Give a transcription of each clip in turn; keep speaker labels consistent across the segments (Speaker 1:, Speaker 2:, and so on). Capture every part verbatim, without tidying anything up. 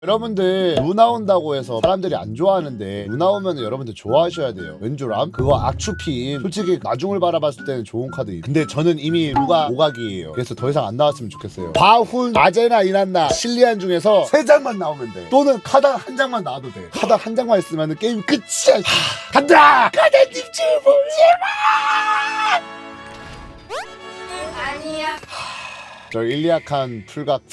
Speaker 1: 여러분들 루 나온다고 해서 사람들이 안 좋아하는데 루 나오면 여러분들 좋아하셔야 돼요. 왠줄암? 그거 악추핀. 솔직히 나중을 바라봤을 때는 좋은 카드. 근데 저는 이미 루가 오각이에요. 그래서 더 이상 안 나왔으면 좋겠어요. 바훈, 아제나, 이난나, 실리안 중에서 세 장만 나오면 돼. 또는 카단 한 장만 나와도 돼. 카단 한 장만 있으면 게임 끝이야. 하, 간다! 카단님 제발! 제발!
Speaker 2: 아니야.
Speaker 1: 저 일리약한 풀각.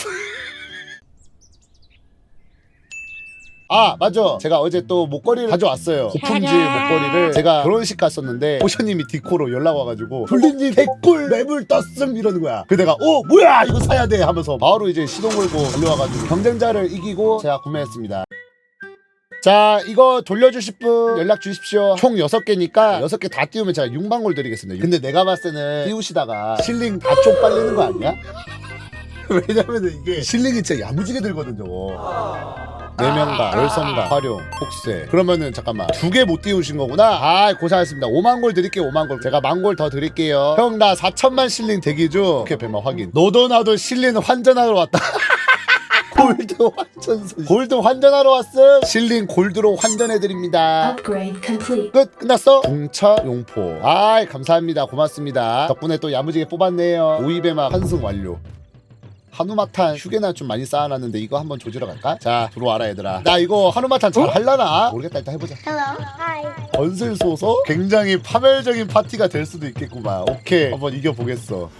Speaker 1: 아 맞아, 제가 어제 또 목걸이를 가져왔어요. 고품질 목걸이를. 제가 결혼식 갔었는데 호셔님이 디코로 연락 와가지고 블린님 개꿀 매물 떴음 이러는 거야. 그 내가 어 뭐야 이거 사야 돼 하면서 바로 이제 시동 걸고 달려와가지고 경쟁자를 이기고 제가 구매했습니다. 자, 이거 돌려주실 분 연락 주십시오. 총 여섯 개니까 여섯 개 다 띄우면 제가 육만골 드리겠습니다. 근데 내가 봤을 때는 띄우시다가 실링 다 쪽 빨리는 거 아니야? 왜냐면은 이게 실링이 진짜 야무지게 들거든 저거. 내면가, 열성가, 활용, 폭세. 그러면은 잠깐만 두 개 못 띄우신 거구나. 아 고생하셨습니다. 오만 골 드릴게요. 오만 골. 제가 만 골 더 드릴게요. 형 나 사천만 실링 대기 중. 오케이 배마 확인. 너도 나도 실링 환전하러 왔다. 골드 환전. 골드 환전하러 왔음. 실링 골드로 환전해드립니다.
Speaker 2: Upgrade complete.
Speaker 1: 끝. 끝났어? 공차 용포. 아이 감사합니다. 고맙습니다. 덕분에 또 야무지게 뽑았네요. 오이배마 환승 완료. 한우마탄 휴게나 좀 많이 쌓아놨는데 이거 한번 조지러 갈까? 자 들어와라 얘들아. 나 이거 한우마탄 잘 할라나? 모르겠다. 일단 해보자.
Speaker 2: Hello. Hi.
Speaker 1: 건슬 쏘서 굉장히 파멸적인 파티가 될 수도 있겠구만. 오케이 한번 이겨보겠어.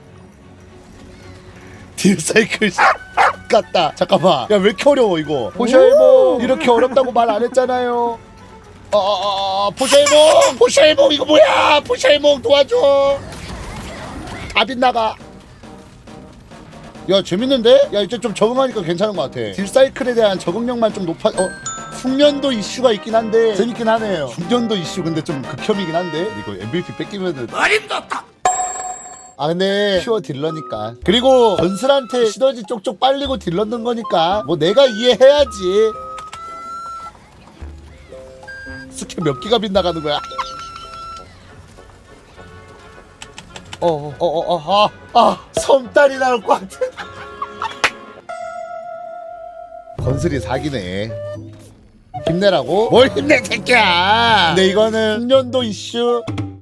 Speaker 1: 딜사이클 같다. 잠깐만 야 왜 이렇게 어려워 이거. 포샤이몽 이렇게 어렵다고 말 안 했잖아요. 어어어 포샤이몽 포샤이몽 이거 뭐야. 포샤이몽 도와줘. 다 빗나가. 야 재밌는데? 야 이제 좀 적응하니까 괜찮은 것 같아. 딜사이클에 대한 적응력만 좀 높아. 어? 숙련도 이슈가 있긴 한데 재밌긴 하네요. 숙련도 이슈 근데 좀 극혐이긴 한데 이거 엠브이피 뺏기면은 어림없다. 아 근데 퓨어 딜러니까. 그리고 건슬한테 시너지 쪽쪽 빨리고 딜러 넣는 거니까 뭐 내가 이해해야지. 스킬 몇 기가 빗나가는 거야. 어어어어 아, 아 섬딸이 나올 것 같아. 건슬이 사기네. 힘내라고? 뭘 힘내 새끼야. 근데 이거는 숙련도 이슈.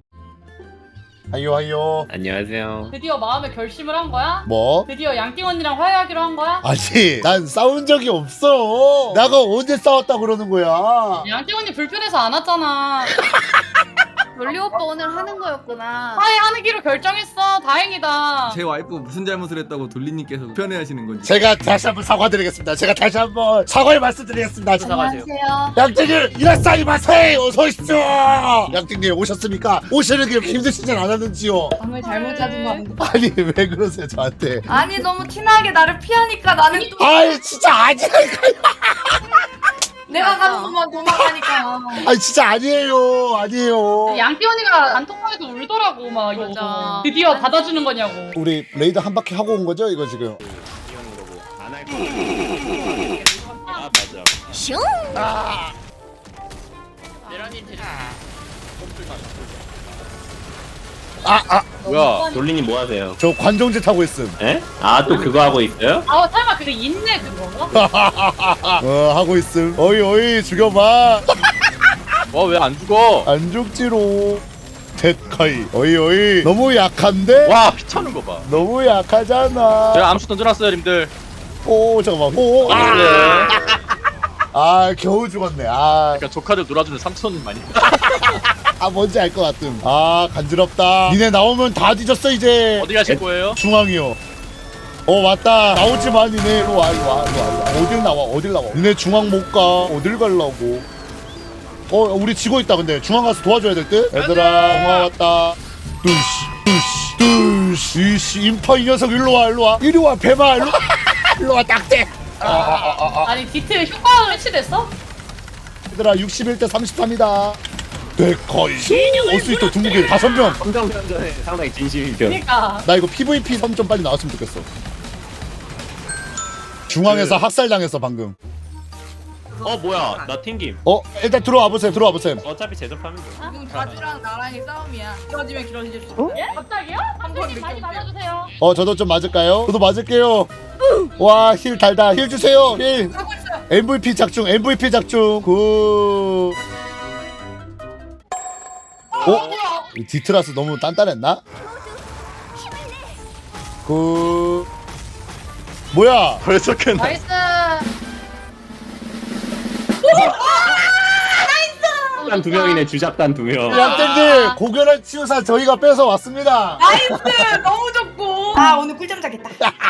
Speaker 1: 하요 하요.
Speaker 3: 안녕하세요.
Speaker 4: 드디어 마음의 결심을 한 거야?
Speaker 1: 뭐?
Speaker 4: 드디어 양띵 언니랑 화해하기로 한 거야?
Speaker 1: 아니 난 싸운 적이 없어. 내가 언제 싸웠다 그러는 거야.
Speaker 4: 양띵 언니 불편해서 안 왔잖아.
Speaker 2: 롤리 오빠 오늘 하는 거였구나.
Speaker 4: 화해하기로 결정했어. 다행이다.
Speaker 5: 제 와이프 무슨 잘못을 했다고 돌리님께서 편해하시는 건지.
Speaker 1: 제가 다시 한번 사과드리겠습니다. 제가 다시 한번 사과의 말씀드리겠습니다.
Speaker 2: 안녕하세요.
Speaker 1: 양띵님 이라사이 마세이 어서 오십시오. 양띵님 오셨습니까? 오시는 게 힘드시진 않았는지요?
Speaker 2: 방을 잘못 잡은 거 같은데.
Speaker 1: 아니 왜 그러세요 저한테?
Speaker 2: 아니 너무 티나게 나를 피하니까 나는 또
Speaker 1: 아이 진짜 아니라니까요.
Speaker 2: 내가 가는 것만 도망가니까.
Speaker 1: 아니 진짜 아니에요. 아니에요.
Speaker 4: 양띵 언니가 단톡방에서 울더라고. 막 이거
Speaker 2: 맞아.
Speaker 4: 드디어 받아주는 거냐고.
Speaker 1: 우리 레이드 한 바퀴 하고 온 거죠 이거 지금?
Speaker 3: 안할 거. 아 맞아.
Speaker 2: 슝.
Speaker 1: 아 아.
Speaker 3: 뭐야? 돌리님 뭐 하세요?
Speaker 1: 저 관종짓 하고 있음.
Speaker 3: 에? 아 또 그거 하고 있어요?
Speaker 4: 아 설마 그게 인내 그건가?
Speaker 1: 어 하고 있음. 어이 어이 죽여봐.
Speaker 3: 어 왜 안 죽어?
Speaker 1: 안 죽지로. 데카이. 어이 어이. 너무 약한데?
Speaker 3: 와 피차는 거 봐.
Speaker 1: 너무 약하잖아.
Speaker 3: 제가 암수 던져놨어요, 님들.
Speaker 1: 오 잠깐만. 오. 아,
Speaker 3: 네.
Speaker 1: 아 겨우 죽었네. 아,
Speaker 3: 그러니까 조카들 놀아주는 삼촌 많이.
Speaker 1: 아 뭔지 알 것 같음. 아 간지럽다. 니네 나오면 다 뒤졌어 이제.
Speaker 3: 어디 가실 거예요?
Speaker 1: 중앙이요. 어 왔다. 나오지마 니네. 일로 와 일로 와 일로 와. 어딜 나와 어딜 나와. 니네 중앙 못 가. 어딜 갈라고. 어 우리 지고 있다. 근데 중앙 가서 도와줘야 될 듯. 얘들아 공화 왔다. 뚜시 뚜시 뚜시. 이씨 인파 이 녀석 일로 와 일로 와. 이리 와 배마 일로 와. 일로 와 딱대. 아, 아, 아, 아, 아.
Speaker 4: 아니 디트 효과가 해치됐어?
Speaker 1: 얘들아 육십일 대 삼십삼이다. 데카이. 어스이터 중국인 다섯 명.
Speaker 3: 성장전에 상당히 진심이죠.
Speaker 4: 그니까.
Speaker 1: 나 이거 피브이피 섬 좀 빨리 나왔으면 좋겠어. 중앙에서 학살당했어 방금.
Speaker 3: 어 뭐야? 나 튕김.
Speaker 1: 어 일단 들어와 보세요. 들어와 보세요.
Speaker 3: 어차피 제접하면 돼.
Speaker 2: 지금 바지랑 나랑이 싸움이야. 길어지면 길어질수록.
Speaker 4: 예? 갑자기요? 감독님 많이 맞아주세요.
Speaker 1: 어 저도 좀 맞을까요? 저도 맞을게요. 와 힐 달다. 힐 주세요. 힐.
Speaker 2: 하고 있어요.
Speaker 1: 엠브이피 작중 엠브이피 작중 그 어? 이 디트라스 너무 단단했나? 그 뭐야?
Speaker 3: 벌써 끝나.
Speaker 2: 나이스.
Speaker 3: 주작단 두 명이네. 주작단 두 명.
Speaker 1: 양땡님 고결한 치유사 저희가 뺏어 왔습니다.
Speaker 4: 나이스 너무 좋고.
Speaker 6: 아 오늘 꿀잠 자겠다.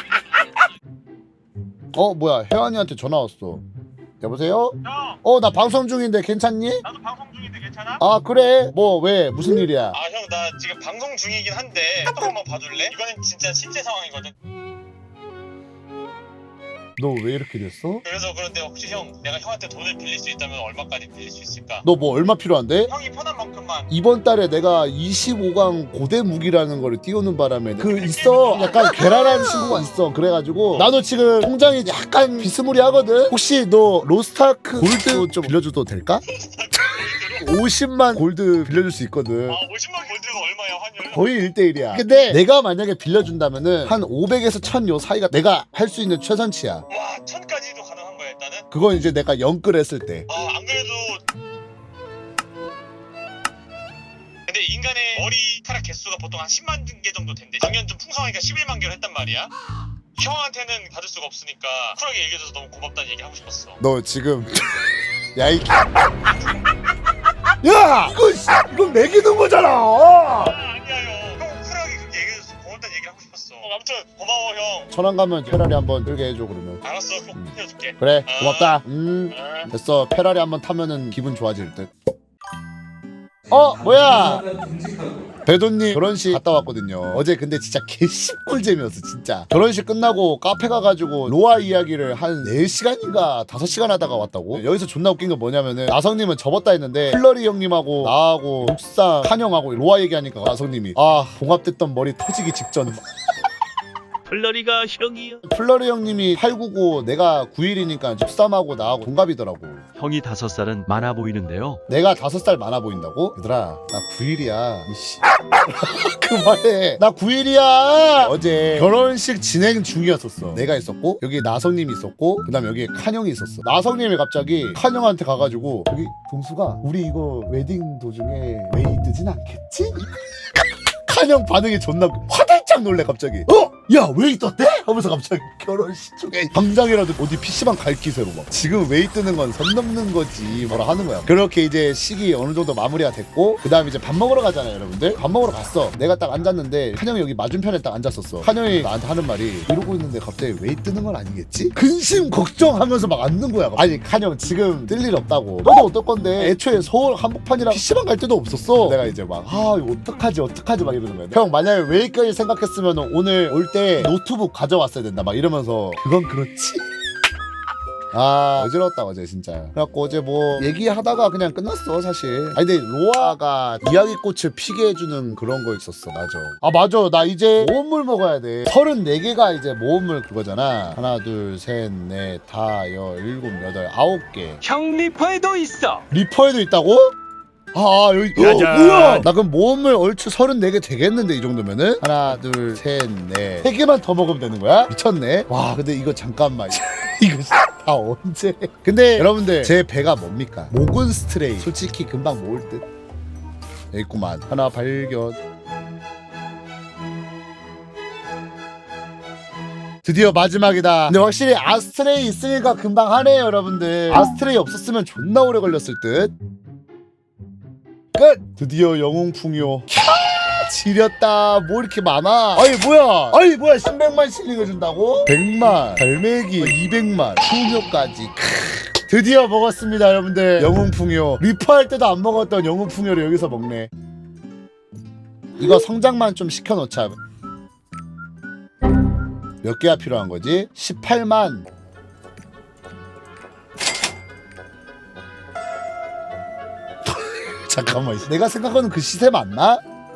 Speaker 1: 어 뭐야 혜환이한테 전화 왔어. 여보세요?
Speaker 7: 형,
Speaker 1: 어 나 방송 중인데 괜찮니?
Speaker 7: 나도 방송 중인데 괜찮아?
Speaker 1: 아 그래 뭐 왜 무슨 일이야?
Speaker 7: 아, 형, 나 지금 방송 중이긴 한데 카톡 한번 봐줄래? 이거는 진짜 실제 상황이거든.
Speaker 1: 너 왜 이렇게 됐어?
Speaker 7: 그래서 그런데 혹시 형, 내가 형한테 돈을 빌릴 수 있다면 얼마까지 빌릴 수 있을까?
Speaker 1: 너 뭐 얼마 필요한데?
Speaker 7: 형이 편한 만큼만.
Speaker 1: 이번 달에 내가 이십오 강 고대 무기라는 거를 띄우는 바람에 그 있어 약간 괴랄한 친구가 있어. 그래가지고 나도 지금 통장이 약간 비스무리하거든. 혹시 너 로스타크 골드 좀 빌려줘도 될까? 오십만 골드 빌려줄 수 있거든.
Speaker 7: 아, 오십만 골드가 얼마야, 환율?
Speaker 1: 거의 일 대 일이야. 근데 내가 만약에 빌려준다면은 한 오백에서 천 요 사이가 내가 할 수 있는 최선치야.
Speaker 7: 와, 천까지도 가능한 거야, 일단은?
Speaker 1: 그건 이제 내가 영끌 했을 때.
Speaker 7: 아, 안 그래도. 근데 인간의 머리카락 개수가 보통 한 십만 개 정도 된대. 작년 좀 풍성하니까 십일만 개를 했단 말이야. 형한테는 받을 수가 없으니까 쿨하게 얘기해줘서 너무 고맙다는 얘기 하고 싶었어.
Speaker 1: 너 지금 야이 야 이거 씨, 이거 매기는 거잖아.
Speaker 7: 아, 아니야 형. 형 쿨하게 그렇게 얘기해줘서 고맙다는 얘기를 하고 싶었어. 어, 아무튼 고마워 형.
Speaker 1: 천안 가면 페라리 한번 들게 해줘 그러면.
Speaker 7: 알았어, 꼭 해줄게.
Speaker 1: 그래 고맙다. 음
Speaker 7: 아.
Speaker 1: 됐어. 페라리 한번 타면은 기분 좋아질 듯. 어 뭐야 배도님 결혼식 갔다 왔거든요. 어제 근데 진짜 개씹꿀잼이었어 진짜. 결혼식 끝나고 카페 가가지고 로아 이야기를 한 네 시간인가 다섯 시간 하다가 왔다고. 여기서 존나 웃긴 건 뭐냐면은 나성님은 접었다 했는데 플러리 형님하고 나하고 육상 칸형하고 로아 얘기하니까 나성님이 아 봉합됐던 머리 터지기 직전.
Speaker 3: 플러리가 형이요.
Speaker 1: 플러리 형님이 팔구고 내가 구일이니까 육삼하고 나하고 동갑이더라고.
Speaker 8: 형이 다섯 살은 많아 보이는데요.
Speaker 1: 내가 다섯 살 많아 보인다고? 얘들아 나 구일이야 이씨. 그만해. 나 구일이야. 어제 결혼식 진행 중이었었어. 내가 있었고 여기 나성님이 있었고 그 다음에 여기 칸형이 있었어. 나성님이 갑자기 칸형한테 가가지고 여기 동수가 우리 이거 웨딩 도중에 웨이 뜨진 않겠지? 칸형 반응이 존나 화들짝 놀래 갑자기. 어? 야 웨이 떴대? 하면서 갑자기 결혼식 중에 당장이라도 어디 피시방 갈 기세로 막 지금 웨이 뜨는 건 선 넘는 거지 뭐라 하는 거야. 그렇게 이제 식이 어느 정도 마무리가 됐고 그 다음에 이제 밥 먹으러 가잖아요 여러분들. 밥 먹으러 갔어. 내가 딱 앉았는데 칸형이 여기 맞은편에 딱 앉았었어. 칸형이 나한테 하는 말이 이러고 있는데 갑자기 웨이 뜨는 건 아니겠지? 근심 걱정하면서 막 앉는 거야. 아니 칸형 지금 뜰 일 없다고. 너도 어떨 건데 애초에 서울 한복판이랑 피시방 갈 데도 없었어. 내가 이제 막 아 이거 어떡하지 어떡하지 막 이러는 거야. 형 만약에 웨이까지 생각했으면 오늘 올 때 노트북 가져왔어야 된다 막 이러면서 그건 그렇지. 아 어지러웠다 어제 진짜. 그래갖고 어제 뭐 얘기하다가 그냥 끝났어 사실. 아니 근데 로아가 이야기꽃을 피게 해주는 그런 거 있었어. 맞아. 아 맞아 나 이제 모험물 먹어야 돼. 서른네 개가 이제 모험물 그거잖아. 하나 둘 셋 넷 다 여 일곱 여덟 아홉 개.
Speaker 8: 형 리퍼에도 있어.
Speaker 1: 리퍼에도 있다고? 아 여기 어, 뭐야 나 그럼 모험물 얼추 서른네 개 되겠는데 이 정도면은 하나 둘 셋 넷 세 개만 더 먹으면 되는 거야? 미쳤네. 와 근데 이거 잠깐만 이거 다 언제. 근데 여러분들 제 배가 뭡니까? 모군 스트레이 솔직히 금방 모을 듯. 여기 있구만. 하나 발견. 드디어 마지막이다. 근데 확실히 아스트레이 있으니까 금방 하네요 여러분들. 아스트레이 없었으면 존나 오래 걸렸을 듯. 끝! 드디어 영웅풍요. 캬! 지렸다. 뭐 이렇게 많아? 아니 뭐야? 아니 뭐야? 십백만 실링을 준다고? 백만, 갈매기, 이백만, 풍요까지. 크. 드디어 먹었습니다 여러분들. 영웅풍요. 리퍼할 때도 안 먹었던 영웅풍요를 여기서 먹네. 이거 성장만 좀 시켜놓자. 몇 개가 필요한 거지? 십팔만. 잠깐만 내가 생각하는 그 시세 맞나?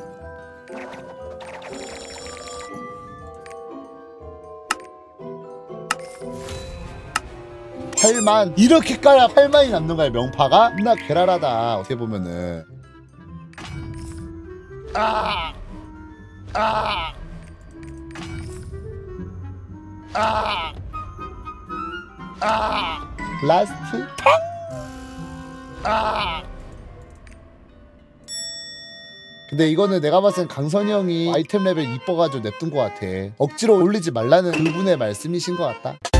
Speaker 1: 팔만. 이렇게 까야 팔만이 남는 거야 명파가? 나 괴랄하다 어떻게 보면은. 아! 아! 아! 아! 라스트 아 근데 이거는 내가 봤을 땐 강선이 형이 아이템 레벨 이뻐가지고 냅둔 것 같아. 억지로 올리지 말라는 그분의 말씀이신 것 같다.